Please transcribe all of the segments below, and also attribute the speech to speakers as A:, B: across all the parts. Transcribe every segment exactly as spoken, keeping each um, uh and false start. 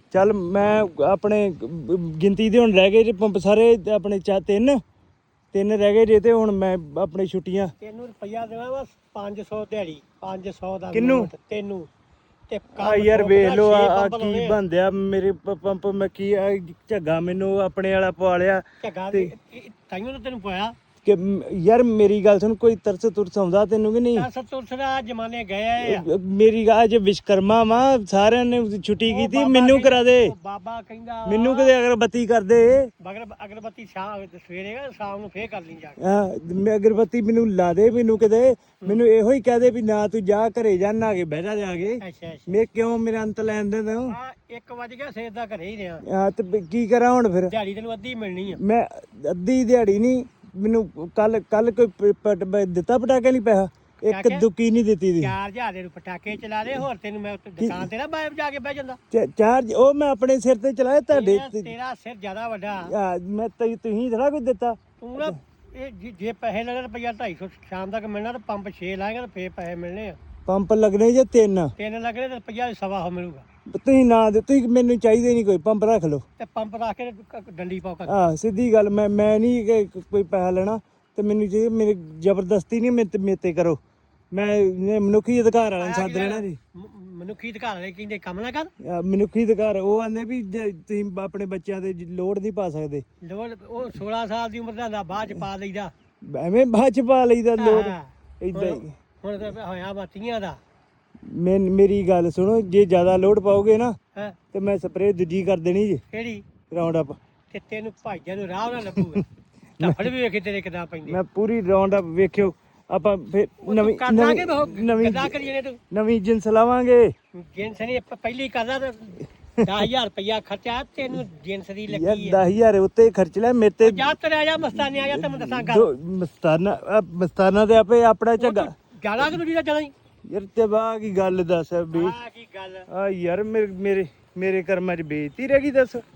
A: ਚੱਲ ਮੈਂ ਆਪਣੇ ਗਿਣਤੀ ਦੇ ਹੁਣ ਰਹਿ ਗਏ ਜੇ ਪੰਪ ਸਾਰੇ ਆਪਣੇ ਚਾ ਤਿੰਨ ਤਿੰਨ ਰਹਿ ਗਏ ਜੇ ਤੇ ਹੁਣ ਮੈਂ ਆਪਣੀ ਛੁੱਟੀਆਂ
B: ਤੈਨੂੰ ਰੁਪਈਆ ਦੇਣਾ ਵਾ ਪੰਜ ਸੌ ਦਿਹਾੜੀ ਪੰਜ ਸੌ ਦਾ
A: ਕਿਹਨੂੰ?
B: ਨੋਟ ਤੈਨੂੰ ਤੇ
A: ਆ ਯਾਰ ਵੇਖ ਲੋ ਆ ਕੀ ਬੰਦਿਆ ਮੇਰੇ ਪ- ਪੰਪ ਮੈਂ ਕੀ ਆ ਝੱਗਾ ਮੈਨੂੰ ਆਪਣੇ ਵਾਲਾ ਪਵਾ ਲਿਆ
B: ਝੱਗਾ
A: ਤੇ-
B: ਤਾਈਓ ਤਾਂ ਤੈਨੂੰ ਪਾਇਆ
A: ਕਿ ਮ- ਯਾਰ ਮੇਰੀ ਗੱਲ ਸੁਣ ਕੋਈ ਤਰਸ ਤੁਰਸ ਆਉਂਦਾ ਤੈਨੂੰ ਕਿ ਨਹੀਂ?
B: ਦਸ ਤੁਰਸਰਾ ਜਮਾਨੇ ਗਏ ਆ
A: ਮੇਰੀ ਗੱਲ ਅੱਜ ਵਿਸ਼ਕਰਮਾ ਵਾ ਸਾਰਿਆਂ ਨੇ ਛੁੱਟੀ
B: ਉਹ
A: ਕੀਤੀ
B: ਬਾਬਾ
A: ਮੈਨੂੰ
B: ਕਹਿੰਦਾ-
A: ਕਰਾ ਦੇ
B: ਉਹ ਬਾਬਾ ਕਹਿੰਦਾ
A: ਮੈਨੂੰ ਕਦੇ ਅਗਰਬੱਤੀ ਕਰ ਦੇ
B: ਮਗਰ ਅਗਰਬੱਤੀ ਸ਼ਾਮ ਸਵੇਰੇ ਗਾ ਸ਼ਾਮ ਨੂੰ ਫੇਰ ਕਰ ਲਈ ਜਾ ਕੇ
A: ਹਾਂ ਮੈਂ ਅਗਰਬੱਤੀ ਮੈਨੂੰ ਲਾ ਦੇ ਮੈਨੂੰ ਕਿਤੇ ਮੈਨੂੰ ਇਹੋ ਹੀ ਕਹਿ ਦੇ ਵੀ ਨਾ ਤੂੰ ਜਾ ਘਰੇ ਜਾ ਨਹਾ ਕੇ ਬਹਿ ਜਾ ਜਾ ਕੇ
B: ਅੱਛਾ ਅੱਛਾ
A: ਮੈਂ ਕਿਉਂ ਮੇਰਾ ਅੰਤ ਲੈਣ ਦੇ ਤੂੰ
B: ਆ ਇੱਕ ਵਜ ਗਿਆ ਸੇਰ ਦਾ ਘਰੇ ਹੀ ਰਿਹਾ
A: ਹਾਂ ਤੇ ਵੀ ਕੀ ਕਰਾਂ ਹੁਣ ਫਿਰ
B: ਦਿਹਾੜੀ ਤੈਨੂੰ ਅੱਧੀ ਮਿਲਣੀ ਆ
A: ਮੈਂ ਅੱਧੀ ਦਿਹਾੜੀ ਨਹੀਂ ਮੈਨੂੰ ਕੱਲ ਕੱਲ ਕੋਈ ਪ- ਪ- ਪ- ਦਿੱਤਾ ਪਟਾਕੇ ਨਹੀਂ ਪੈਸਾ ਇੱਕ
B: ਕਿਆ?
A: ਦੁੱਕੀ ਨਹੀਂ ਦਿੱਤੀ ਦੀ
B: ਚਾਰ ਹਜ਼ਾਰ ਦੇ ਨੂੰ ਪਟਾਕੇ ਚਲਾ ਲਏ ਹੋਰ ਤੈਨੂੰ ਮੈਂ ਉੱਥੇ ਦੁਕਾਨ ਤੇ ਨਾ ਬਾਹਰ ਜਾ ਕੇ ਬਹਿ ਜਾਂਦਾ
A: ਚ- ਚਾਰ ਉਹ ਮੈਂ ਆਪਣੇ ਸਿਰ ਤੇ ਚਲਾਇਆ ਤੁਹਾਡੇ
B: ਤੇਰਾ- ਤੇਰਾ ਸਿਰ ਜ਼ਿਆਦਾ ਵੱਡਾ
A: ਆ, ਮੈਂ ਤੇ ਤੁਸੀਂ ਥੋੜਾ ਕੁਝ ਦਿੱਤਾ
B: ਤੂੰ ਨਾ ਇਹ ਜੇ- ਜੇ ਪੈਸੇ ਲੈਣੇ ਰੁਪਈਆ ਢਾਈ ਸੌ ਸ਼ਾਮ ਤੱਕ ਮਿਲਣਾ ਤੇ ਪੰਪ ਛੇ ਲਾਏਗਾ ਤੇ ਫੇਰ ਪੈਸੇ ਮਿਲਣੇ ਆ
A: ਪੰਪ ਲੱਗਣੇ ਜੇ ਤਿੰਨ
B: ਤਿੰਨ ਲੱਗਣੇ ਤੇ ਰੁਪਈਆ ਸਵਾ ਹੋ ਮਿਲੂਗਾ
A: ਤੁਸੀਂ ਨਾ ਦੇ ਤੁਸੀਂ ਮੈਨੂੰ ਚਾਹੀਦੇ ਨਹੀਂ ਕੋਈ ਪੰਪ ਰੱਖ ਲਓ
B: ਤੇ ਪੰਪ ਰੱਖ ਕੇ ਤੇ ਕ- ਡੰਡੀ ਪਾਓ ਕਰ
A: ਆ ਸਿੱਧੀ ਗੱਲ ਮੈਂ ਮੈਂ ਨਹੀਂ ਕਿ ਕੋਈ ਪੈਸਾ ਲੈਣਾ ਤੇ ਮੈਨੂੰ ਜੇ ਮੇਰੇ ਜ਼ਬਰਦਸਤੀ ਨਹੀਂ ਮੇਰੇ ਤੇ ਮੇਰੇ ਤੇ ਕਰੋ ਮੈਂ ਇਹ ਮਨੁੱਖੀ ਅਧਿਕਾਰ ਵਾਲਿਆਂ ਨੂੰ ਸੱਦ ਲੈਣਾ ਜੀ
B: ਮ- ਮਨੁੱਖੀ ਅਧਿਕਾਰ ਵਾਲੇ ਕਹਿੰਦੇ ਕੰਮ ਨਾ ਕਰ
A: ਆ, ਮਨੁੱਖੀ ਅਧਿਕਾਰ ਉਹ ਆਂਦੇ ਵੀ ਜੇ ਤੁਸੀਂ ਆਪਣੇ ਬੱਚਿਆਂ ਤੇ ਲੋੜ ਨਹੀਂ ਪਾ ਸਕਦੇ
B: ਲੋੜ ਉਹ ਸੋਲਾਂ ਸਾਲ ਦੀ ਉਮਰ ਦਾ ਹੁੰਦਾ, ਬਾਅਦ ਚ ਪਾ ਲਈਦਾ
A: ਐਵੇਂ ਬਾਅਦ ਚ ਪਾ ਲਈਦਾ ਲੋੜ
B: ਹਾਂ।
A: ਇਦਾਂ ਹੀ
B: ਹੁਣ ਤਾਂ ਹੋਇਆ ਬਾਤੀਆਂ ਦਾ
A: ਮੈਂ ਮੇਰੀ ਗੱਲ ਸੁਣੋ ਜੇ ਜ਼ਿਆਦਾ ਲੋਡ ਪਾਓਗੇ ਨਾ
B: ਹੈ
A: ਤੇ ਮੈਂ ਸਪਰੇਅ ਦੂਜੀ ਕਰ ਦੇਣੀ ਜੀ
B: ਕਿਹੜੀ
A: ਰਾਉਂਡ ਅਪ
B: ਤੇ ਤੈਨੂੰ ਭਾਈਆਂ ਨੂੰ ਰਾਹ ਨਾ ਲੱਭੂਗਾ ਧੱਫੜ ਵੀ ਵੇਖੇ ਤੇਰੇ ਕਿਦਾਂ ਪੈਂਦੇ
A: ਮੈਂ ਪੂਰੀ ਰਾਉਂਡ ਅਪ ਵੇਖਿਓ ਆਪਾਂ ਫਿਰ ਨਵੀਂ
B: ਕਰ ਲਾਂਗੇ
A: ਨਵੀਂ ਨਵੀਂ
B: ਕਿਦਾਂ ਕਰੀਏ ਨੇ ਤੂੰ
A: ਨਵੀਂ ਜਿੰਸ ਲਾਵਾਂਗੇ
B: ਜਿੰਸ ਨੇ ਪ- ਪਹਿਲੀ ਕਰਦਾ ਤੇ ਦਸ ਹਜ਼ਾਰ ਰੁਪਇਆ ਖਰਚਾ ਤੈਨੂੰ ਜਿੰਸ ਦੀ
A: ਯਾਰ
B: ਲੱਗੀ ਹੈ
A: ਦਸ ਹਜ਼ਾਰ ਉੱਤੇ ਖਰਚ ਲੈ ਮੇਰੇ ਤੇ
B: ਜਾ ਤੇਰੇ ਆ ਜਾ ਮਸਤਾਨੇ ਆ ਜਾ ਤੈਨੂੰ ਦੱਸਾਂ ਗੱਲ
A: ਦੋ ਮਸਤਾਨਾ ਆਹ ਮਸਤਾਨਾ ਤੇ ਆਪੇ ਆਪਣਾ ਝੱਗਾ
B: ਗਾਲਾਂ ਕਿ ਦੂਜੀ ਦਾ ਚਲਾਂ
A: ਯਾਰ ਤੇ ਬਾਹ ਕੀ ਗੱਲ ਦੱਸ ਵੀ
B: ਆ ਕੀ ਗੱਲ
A: ਆ ਯਾਰ ਮੇਰੇ ਮੇਰੇ ਮੇਰੇ ਕਰਮਾਂ 'ਚ ਬੇਇੱਜ਼ਤੀ ਰਹਿ ਗਈ ਦੱਸ ਆ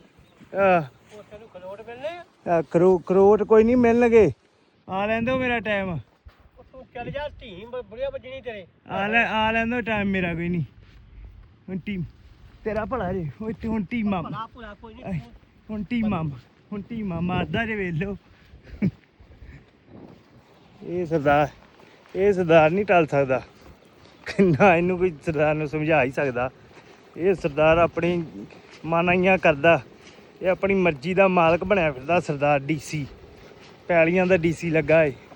B: ਉਹ ਤੈਨੂੰ ਖਲੋਟ ਮਿਲਨੇ ਆ
A: ਆ ਕਰੋ ਕਰੋਟ ਕੋਈ ਨਹੀਂ ਮਿਲਣਗੇ ਆ ਲੈਂਦੋ ਮੇਰਾ ਟਾਈਮ
B: ਉਹ ਤੂੰ ਚੱਲ ਜਾ ਢੀਂ ਬੁੜੀਆ ਵੱਜਣੀ ਤੇਰੇ
A: ਆ ਲੈ ਆ ਲੈਂਦੋ ਟਾਈਮ ਮੇਰਾ ਕੋਈ ਨਹੀਂ ਹੁਣ ਟੀਮ ਤੇਰਾ ਭਲਾ ਜੇ ਓਏ ਤੇ ਹੁਣ ਟੀਮਾਂ
B: ਭਲਾ ਭੁਲਾ ਕੋਈ ਨਹੀਂ
A: ਹੁਣ ਟੀਮਾਂ ਹੁਣ ਟੀਮਾਂ ਮਾਰਦਾ ਜੇ ਵੇਖ ਲਓ ਇਹ ਸਰਦਾਰ ਇਹ ਸਰਦਾਰ ਨਹੀਂ ਟਲ ਸਕਦਾ ਨਾ ਇਹਨੂੰ ਕੋਈ ਸਰਦਾਰ ਨੂੰ ਸਮਝਾ ਹੀ ਸਕਦਾ ਇਹ ਸਰਦਾਰ ਆਪਣੀ ਮਾਨਾਈਆਂ ਕਰਦਾ ਇਹ ਆਪਣੀ ਮਰਜ਼ੀ ਦਾ ਮਾਲਕ ਬਣਿਆ ਫਿਰਦਾ ਸਰਦਾਰ ਡੀਸੀ ਪੈਲੀਆਂ ਦਾ ਡੀਸੀ ਲੱਗਾ ਏ